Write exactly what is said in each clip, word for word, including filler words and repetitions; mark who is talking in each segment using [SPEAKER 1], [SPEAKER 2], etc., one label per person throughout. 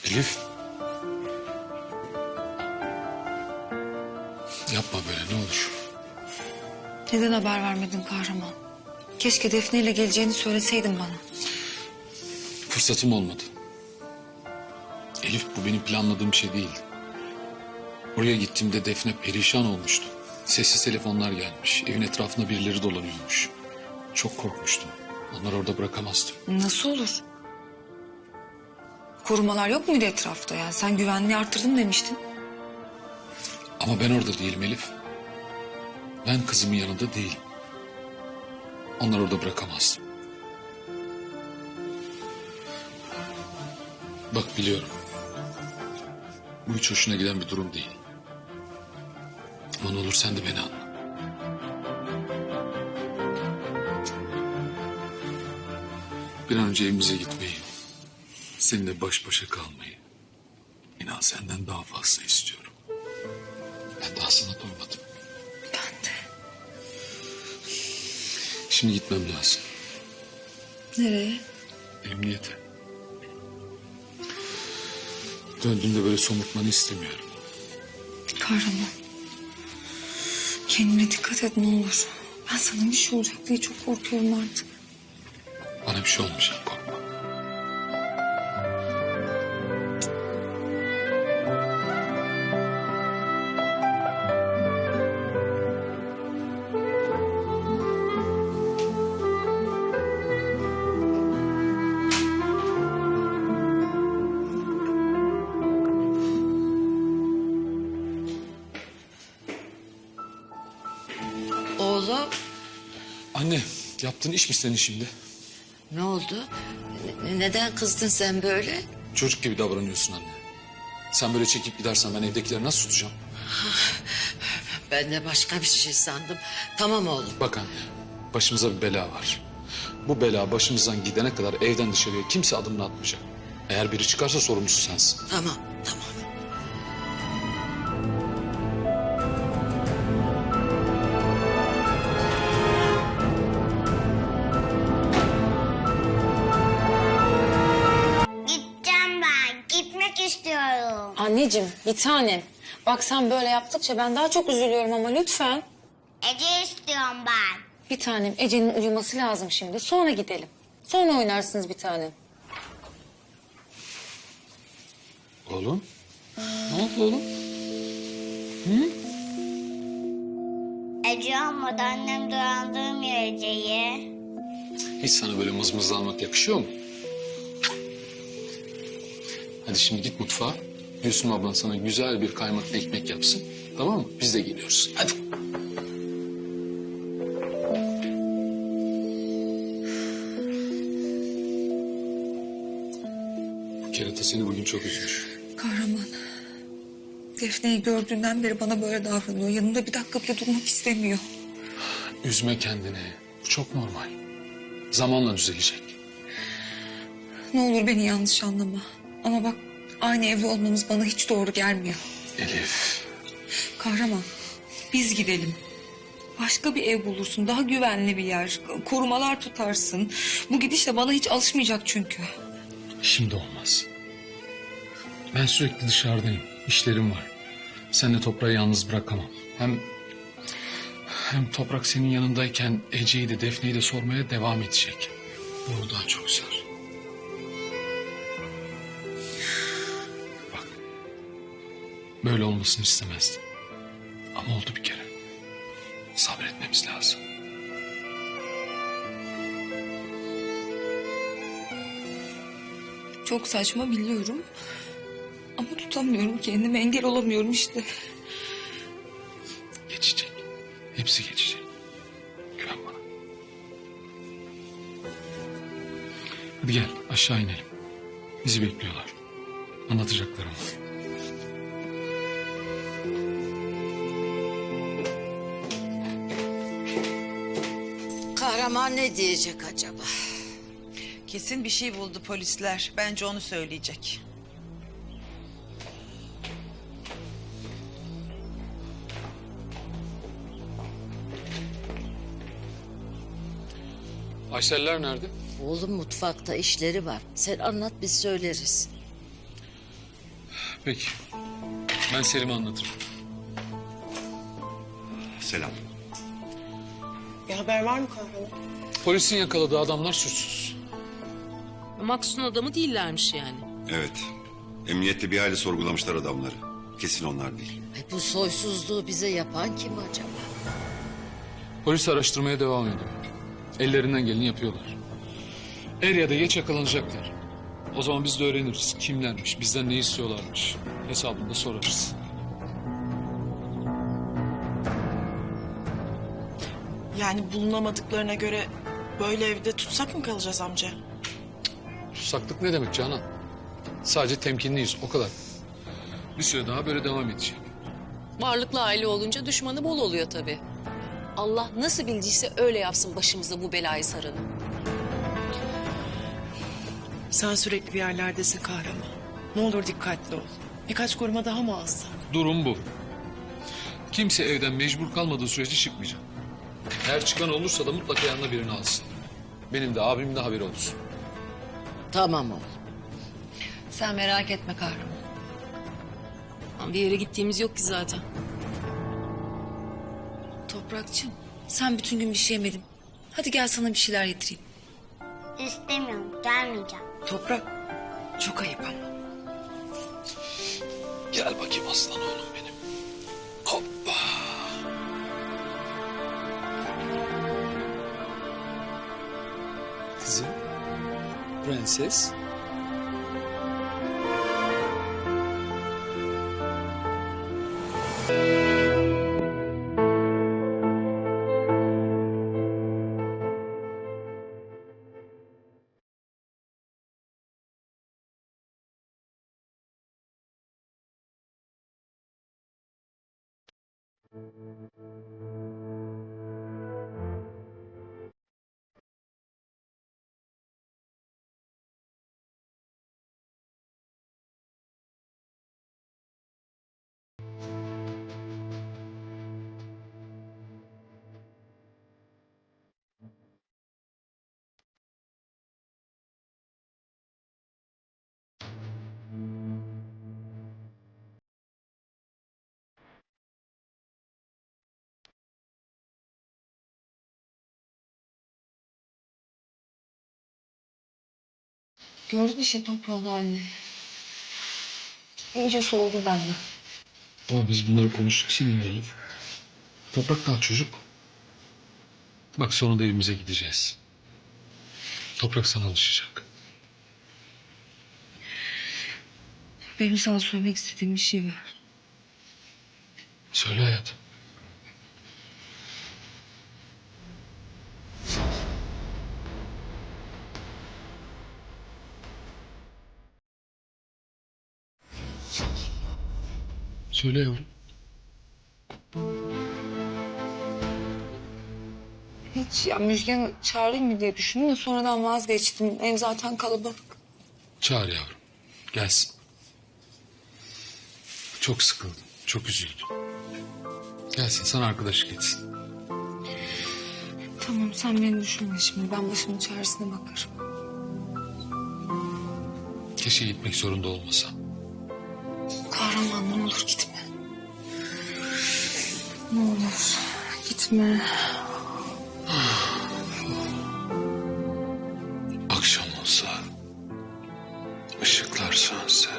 [SPEAKER 1] Elif. Yapma böyle ne olur.
[SPEAKER 2] Neden haber vermedin kahraman? Keşke Defne ile geleceğini söyleseydin bana.
[SPEAKER 1] Fırsatım olmadı. Elif bu benim planladığım şey değildi. Oraya gittiğimde Defne perişan olmuştu. Sessiz telefonlar gelmiş. Evin etrafında birileri dolanıyormuş. Çok korkmuştum. Onları orada bırakamazdım.
[SPEAKER 2] Nasıl olur? Korumalar yok muydu etrafta ya? Sen güvenliği arttırdım demiştin.
[SPEAKER 1] Ama ben orada değilim Elif. Ben kızımın yanında değilim. Onları orada bırakamazdım. Bak biliyorum. Bu hiç hoşuna giden bir durum değil. Ama ne olur sen de beni anla. Bir an önce evimize gitmeyi, seninle baş başa kalmayı, inan senden daha fazla istiyorum. Ben daha sana doymadım.
[SPEAKER 2] Ben de.
[SPEAKER 1] Şimdi gitmem lazım.
[SPEAKER 2] Nereye?
[SPEAKER 1] Emniyete. Döndüğümde böyle somurtmanı istemiyorum.
[SPEAKER 2] Kahraman. Kendine dikkat et ne olur. Ben sana bir şey olacak diye çok korkuyorum artık.
[SPEAKER 1] Bana bir şey olmayacak, korkma.
[SPEAKER 3] Oğlum
[SPEAKER 1] Anne, yaptığın iş mi senin şimdi?
[SPEAKER 3] ne oldu? Ne- Neden kızdın sen böyle?
[SPEAKER 1] Çocuk gibi davranıyorsun anne. Sen böyle çekip gidersen ben evdekileri nasıl tutacağım?
[SPEAKER 3] Ben de başka bir şey sandım. Tamam oğlum.
[SPEAKER 1] Bak anne, başımıza bir bela var. Bu bela başımızdan gidene kadar evden dışarıya kimse adımını atmayacak. Eğer biri çıkarsa sorumlusu sensin.
[SPEAKER 3] Tamam tamam.
[SPEAKER 4] Gideceğim ben. Gitmek istiyorum.
[SPEAKER 2] Anneciğim bir tanem. Bak sen böyle yaptıkça ben daha çok üzülüyorum ama lütfen.
[SPEAKER 4] Ece istiyorum ben.
[SPEAKER 2] Bir tanem Ece'nin uyuması lazım şimdi. Sonra gidelim. Sonra oynarsınız bir tanem.
[SPEAKER 1] Oğlum, ne oldu oğlum?
[SPEAKER 4] Ece olmadı annem dolandırmıyor Ece'yi.
[SPEAKER 1] Hiç sana böyle mızmızlanmak yakışıyor mu? Hadi şimdi git mutfağa. Gülsüm ablan sana güzel bir kaymaklı ekmek yapsın. Tamam mı? Biz de geliyoruz. Hadi. Bu kerata seni bugün çok üzmüş.
[SPEAKER 2] Kahraman. Defne'yi gördüğünden beri bana böyle davranıyor. Yanımda bir dakika bile durmak istemiyor.
[SPEAKER 1] Üzme kendini. Bu çok normal. Zamanla düzelecek.
[SPEAKER 2] Ne olur beni yanlış anlama. Ama bak aynı evde olmamız bana hiç doğru gelmiyor.
[SPEAKER 1] Elif.
[SPEAKER 2] Kahraman biz gidelim. Başka bir ev bulursun. Daha güvenli bir yer. Korumalar tutarsın. Bu gidişle bana hiç alışmayacak çünkü.
[SPEAKER 1] Şimdi olmaz. Ben sürekli dışarıdayım. İşlerim var. Sen de toprağı yalnız bırakamam. Hem hem toprak senin yanındayken Ece'yi de Defne'yi de sormaya devam edecek. Bu daha çok güzel. Bak. Böyle olmasını istemezdim. Ama oldu bir kere. Sabretmemiz lazım.
[SPEAKER 2] Çok saçma biliyorum. Ama tutamıyorum kendimi. Engel olamıyorum işte.
[SPEAKER 1] Geçecek. Hepsi geçecek. Güven bana. Hadi gel aşağı inelim. Bizi bekliyorlar. Anlatacaklarım var.
[SPEAKER 3] Kahraman ne diyecek acaba?
[SPEAKER 5] Kesin bir şey buldu polisler. Bence onu söyleyecek.
[SPEAKER 1] Ayşeller nerede?
[SPEAKER 3] Oğlum mutfakta işleri var. Sen anlat biz söyleriz.
[SPEAKER 1] Peki. Ben Selim'e anlatırım.
[SPEAKER 6] Selam.
[SPEAKER 7] Bir haber var mı kahraman?
[SPEAKER 1] Polisin yakaladığı adamlar suçsuz.
[SPEAKER 8] Maksun adamı değillermiş yani.
[SPEAKER 6] Evet. Emniyette bir aile sorgulamışlar adamları. Kesin onlar değil.
[SPEAKER 3] Ay, bu soysuzluğu bize yapan kim acaba?
[SPEAKER 1] Polis araştırmaya devam ediyor. Ellerinden geleni yapıyorlar. Er ya da geç yakalanacaklar. O zaman biz de öğreniriz kimlermiş, bizden ne istiyorlarmış. Hesabını da sorarız.
[SPEAKER 7] Yani bulunamadıklarına göre böyle evde tutsak mı kalacağız amca?
[SPEAKER 1] Tutsaklık ne demek Canan? Sadece temkinliyiz, o kadar. Bir süre daha böyle devam edecek.
[SPEAKER 8] Varlıklı aile olunca düşmanı bol oluyor tabii. Allah nasıl bildiyse öyle yapsın başımıza bu belayı saranı.
[SPEAKER 7] Sen sürekli bir yerlerdesin kahraman. Ne olur dikkatli ol. Birkaç koruma daha mı alsak?
[SPEAKER 1] Durum bu. Kimse evden mecbur kalmadığı sürece çıkmayacak. Eğer çıkan olursa da mutlaka yanına birini alsın. Benim de abimin de haberi olsun.
[SPEAKER 3] Tamam oğlum.
[SPEAKER 2] Sen merak etme kahraman.
[SPEAKER 8] Ama bir yere gittiğimiz yok ki zaten.
[SPEAKER 2] Toprakçığım sen bütün gün bir şey yemedin. Hadi gel sana bir şeyler yedireyim.
[SPEAKER 4] İstemiyorum, gelmeyeceğim.
[SPEAKER 7] Toprak, çok ayıp ama.
[SPEAKER 1] Gel bakayım aslan oğlum benim. Hoppa. Kızım, prenses.
[SPEAKER 2] Gördün işte toprağın halini. İyice soğudu benden.
[SPEAKER 1] Ama biz bunları konuştuk sinirleyelim. Toprak kal çocuk. Bak sonunda evimize gideceğiz. Toprak sana alışacak.
[SPEAKER 2] Benim sana söylemek istediğim bir şey var.
[SPEAKER 1] Söyle hayatım. Söyle yavrum.
[SPEAKER 2] Hiç ya Müjgan'ı çağırayım mı diye düşündüm de sonradan vazgeçtim. Ev zaten kalabalık.
[SPEAKER 1] Çağır yavrum. Gelsin. Çok sıkıldım. Çok üzüldüm. Gelsin sana arkadaşlık etsin.
[SPEAKER 2] Tamam sen beni düşünme şimdi. Ben başımın çaresine bakarım.
[SPEAKER 1] Keşke gitmek zorunda olmasam.
[SPEAKER 2] Kahraman ne olur gitme. Ne olur gitme.
[SPEAKER 1] Akşam olsa, ışıklar sönse,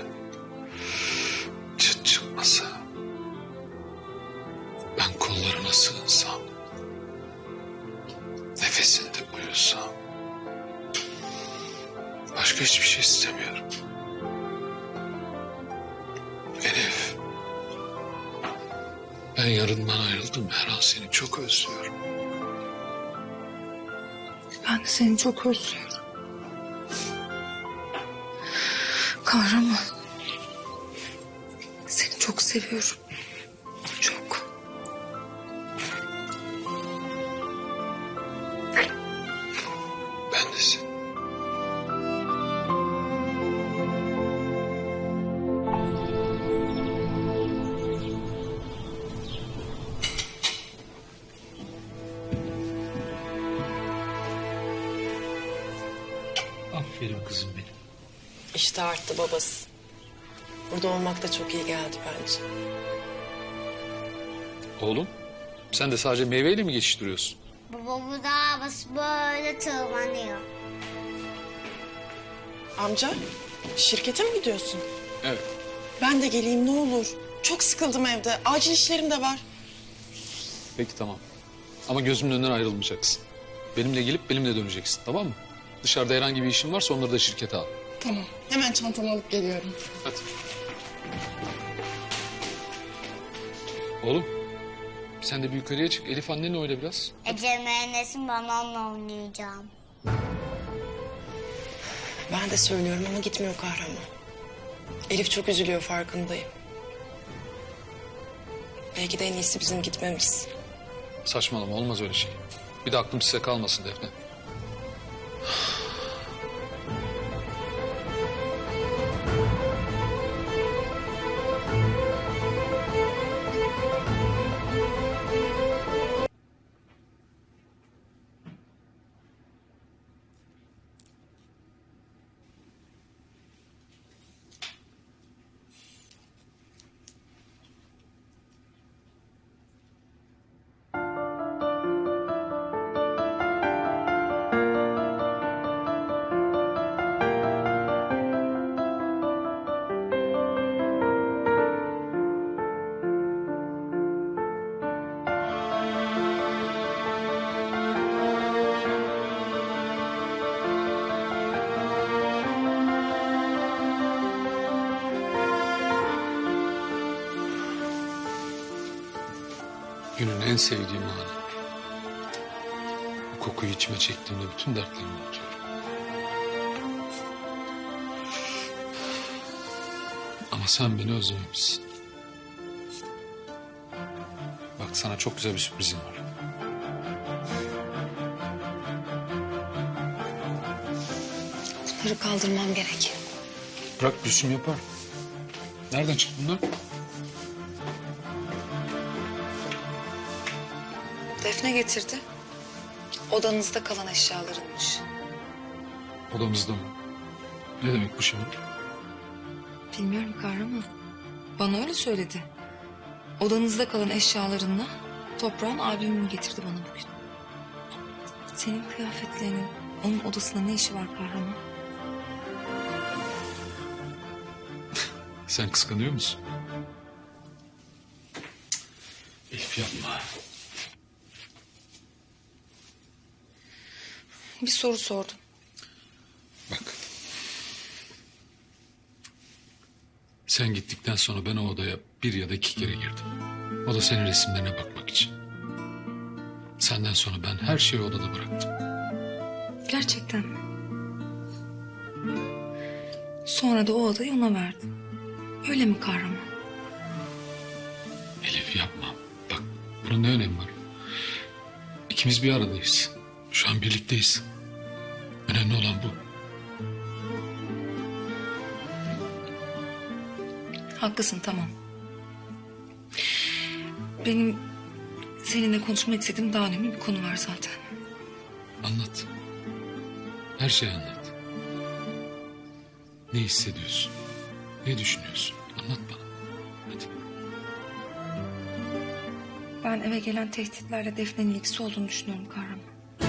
[SPEAKER 1] çıt çıkmasa, ben kollarına sığınsam, nefesinde uyusam, başka hiçbir şey istemiyorum. Elif, ben yarından ayrıldım, her an seni çok özlüyorum.
[SPEAKER 2] Ben de seni çok özlüyorum. Kahraman. Seni çok seviyorum. Çok.
[SPEAKER 1] Ben de seni. Aferin kızım benim.
[SPEAKER 7] İşte arttı babası. Burada olmak da çok iyi geldi bence.
[SPEAKER 1] Oğlum sen de sadece meyveyle mi geçiştiriyorsun?
[SPEAKER 4] Baba bu dağa basıp böyle tırmanıyor.
[SPEAKER 7] Amca, şirkete mi gidiyorsun?
[SPEAKER 1] Evet.
[SPEAKER 7] Ben de geleyim ne olur. Çok sıkıldım evde. Acil işlerim de var.
[SPEAKER 1] Peki tamam. Ama gözümün önünden ayrılmayacaksın. Benimle gelip benimle döneceksin, tamam mı? Dışarıda herhangi bir işin varsa onları da şirkete al.
[SPEAKER 7] Tamam. Hemen çantamı alıp geliyorum.
[SPEAKER 1] Hadi. Oğlum sen de bir yukarıya çık. Elif annenle oyna biraz.
[SPEAKER 4] Ece mühendisim, ben onunla oynayacağım.
[SPEAKER 7] Ben de söylüyorum ama gitmiyor kahraman. Elif çok üzülüyor, farkındayım. Belki de en iyisi bizim gitmemiz.
[SPEAKER 1] Saçmalama, olmaz öyle şey. Bir de aklım size kalmasın Defne. Günün en sevdiğim anı. Bu kokuyu içime çektiğimde bütün dertlerimi unutuyorum. Ama sen beni özlememişsin. Bak sana çok güzel bir sürprizim var.
[SPEAKER 2] Bunları kaldırmam gerek.
[SPEAKER 1] Bırak Gülsüm yapar. Nereden çıktı bunlar?
[SPEAKER 2] Defne getirdi. Odanızda kalan eşyalarınmış.
[SPEAKER 1] Odamızda mı? Ne demek bu şimdi?
[SPEAKER 2] Bilmiyorum kahraman. Bana öyle söyledi. Odanızda kalan eşyalarınla toprağın albümünü getirdi bana bugün. Senin kıyafetlerinin onun odasında ne işi var kahraman?
[SPEAKER 1] Sen kıskanıyor musun? Elif yapma.
[SPEAKER 2] Bir soru sordum.
[SPEAKER 1] Bak. Sen gittikten sonra ben o odaya bir ya da iki kere girdim. O da senin resimlerine bakmak için. Senden sonra ben her şeyi odada bıraktım.
[SPEAKER 2] Gerçekten mi? Sonra da o odayı ona verdim. Öyle mi kahraman?
[SPEAKER 1] Elif yapma. Bak bunun ne önemi var? İkimiz bir aradayız. Şu an birlikteyiz. Önemli olan bu.
[SPEAKER 2] Haklısın, tamam. Benim seninle konuşmak istediğim daha önemli bir konu var zaten.
[SPEAKER 1] Anlat. Her şeyi anlat. Ne hissediyorsun? Ne düşünüyorsun? Anlat bana. Hadi.
[SPEAKER 2] Ben eve gelen tehditlerle Defne'nin ilgisi olduğunu düşünüyorum kahraman.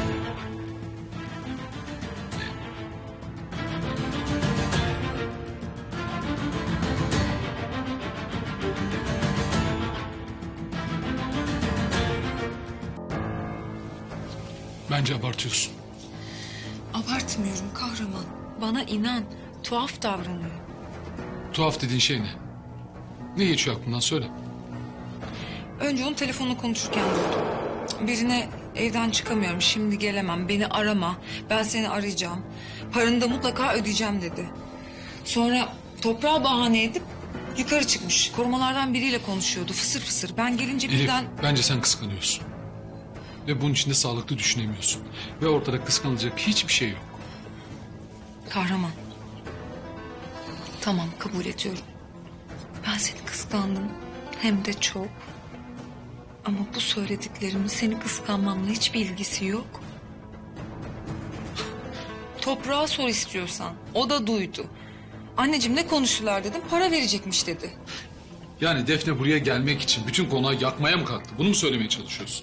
[SPEAKER 1] Bence abartıyorsun.
[SPEAKER 2] Abartmıyorum kahraman. Bana inan. Tuhaf davranıyor.
[SPEAKER 1] Tuhaf dediğin şey ne? Ne geçiyor aklından söyle.
[SPEAKER 2] Önce onu telefonla konuşurken duydum. Birine evden çıkamıyorum, şimdi gelemem, beni arama, ben seni arayacağım. Paranı da mutlaka ödeyeceğim dedi. Sonra toprağı bahane edip yukarı çıkmış. Korumalardan biriyle konuşuyordu fısır fısır. Ben gelince
[SPEAKER 1] Elif,
[SPEAKER 2] birden...
[SPEAKER 1] bence sen kıskanıyorsun. Ve bunun için de sağlıklı düşünemiyorsun. Ve ortada kıskanılacak hiçbir şey yok.
[SPEAKER 2] Kahraman. Tamam, kabul ediyorum. Ben seni kıskandım. Hem de çok. Ama bu söylediklerimin seni kıskanmamla hiçbir ilgisi yok. Toprağa sor istiyorsan. O da duydu. Anneciğim ne konuştular dedim. Para verecekmiş dedi.
[SPEAKER 1] Yani Defne buraya gelmek için bütün konağı yakmaya mı kalktı? Bunu mu söylemeye çalışıyorsun?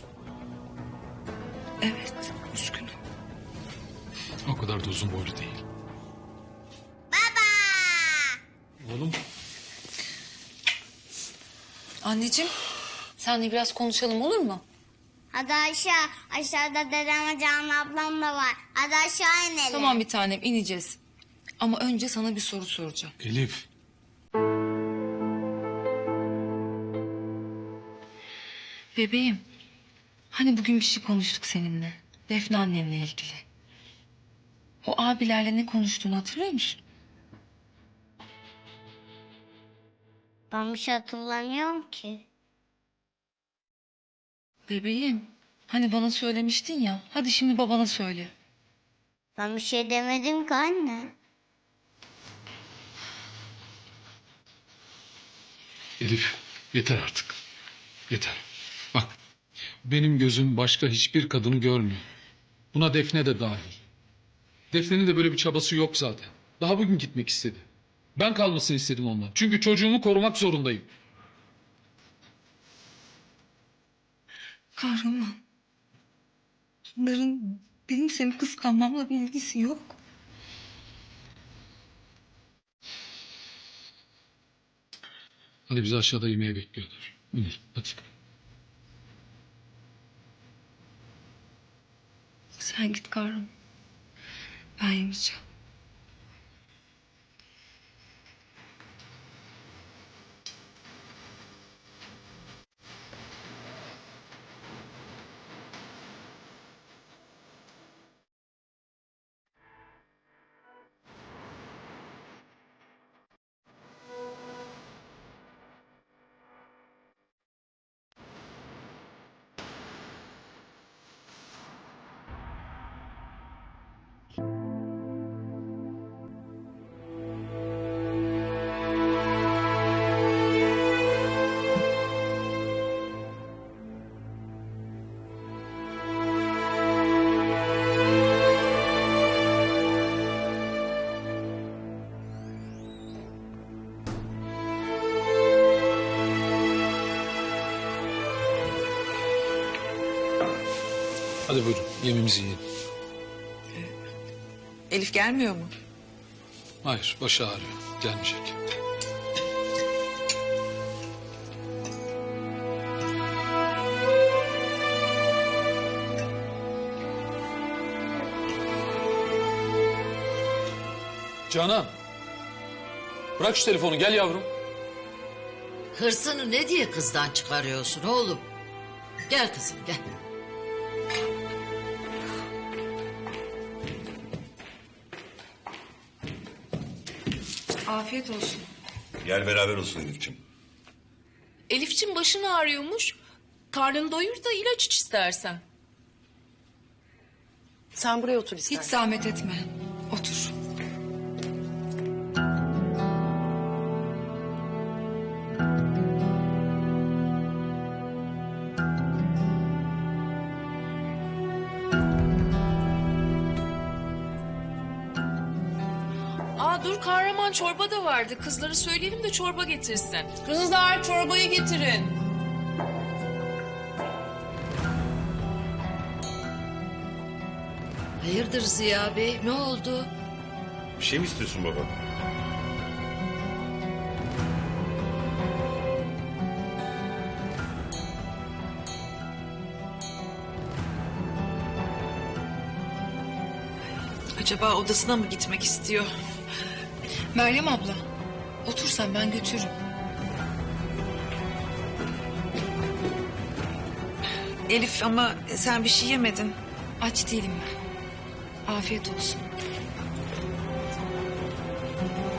[SPEAKER 2] Evet, üzgünüm.
[SPEAKER 1] O kadar da uzun boylu değil.
[SPEAKER 4] Baba!
[SPEAKER 1] Oğlum.
[SPEAKER 2] Anneciğim, senle biraz konuşalım olur mu?
[SPEAKER 4] Hadi aşağı. Aşağıda dedem ve Canan ablam da var. Hadi aşağı inelim.
[SPEAKER 2] Tamam bir tanem, ineceğiz. Ama önce sana bir soru soracağım.
[SPEAKER 1] Elif.
[SPEAKER 2] Bebeğim, hani bugün bir şey konuştuk seninle. Defne annenle ilgili. O abilerle ne konuştuğunu hatırlıyor musun?
[SPEAKER 4] Ben bir şey hatırlamıyorum ki.
[SPEAKER 2] Bebeğim, hani bana söylemiştin ya. Hadi şimdi babana söyle.
[SPEAKER 4] Ben bir şey demedim ki anne.
[SPEAKER 1] Elif yeter artık. Yeter. Bak benim gözüm başka hiçbir kadını görmüyor. Buna Defne de dahil. Defne'nin de böyle bir çabası yok zaten. Daha bugün gitmek istedi. Ben kalmasını istedim ondan. Çünkü çocuğumu korumak zorundayım.
[SPEAKER 2] Kahraman. Bunların benim seni kıskanmamla bir ilgisi yok.
[SPEAKER 1] Hadi bizi aşağıda yemeğe bekliyorlar. İnelim hadi.
[SPEAKER 2] Sen git Kahraman. Ben yemeyeceğim.
[SPEAKER 1] Hadi buyurun yemeğimizi yiyelim.
[SPEAKER 5] Elif gelmiyor mu?
[SPEAKER 1] Hayır başı ağrıyor. Gelmeyecek. Canan. Bırak şu telefonu gel yavrum.
[SPEAKER 3] Hırsını ne diye kızdan çıkarıyorsun oğlum? Gel kızım gel.
[SPEAKER 2] Afiyet olsun.
[SPEAKER 6] Gel beraber olsun Elif'ciğim.
[SPEAKER 8] Elifçim başın ağrıyormuş. Karnını doyur da ilaç iç istersen.
[SPEAKER 7] Sen buraya otur
[SPEAKER 2] Hiç
[SPEAKER 7] istersen.
[SPEAKER 2] zahmet etme. Otur.
[SPEAKER 8] Aa dur Kahraman çorba da vardı. Kızlara söyleyelim de çorba getirsin. Kızlar çorbayı getirin.
[SPEAKER 3] Hayırdır Ziya Bey ne oldu?
[SPEAKER 6] Bir şey mi istiyorsun baba?
[SPEAKER 5] Acaba odasına mı gitmek istiyor?
[SPEAKER 2] Meryem abla. Otur sen ben götürürüm.
[SPEAKER 5] Elif ama sen bir şey yemedin.
[SPEAKER 2] Aç değilim ben. Afiyet olsun.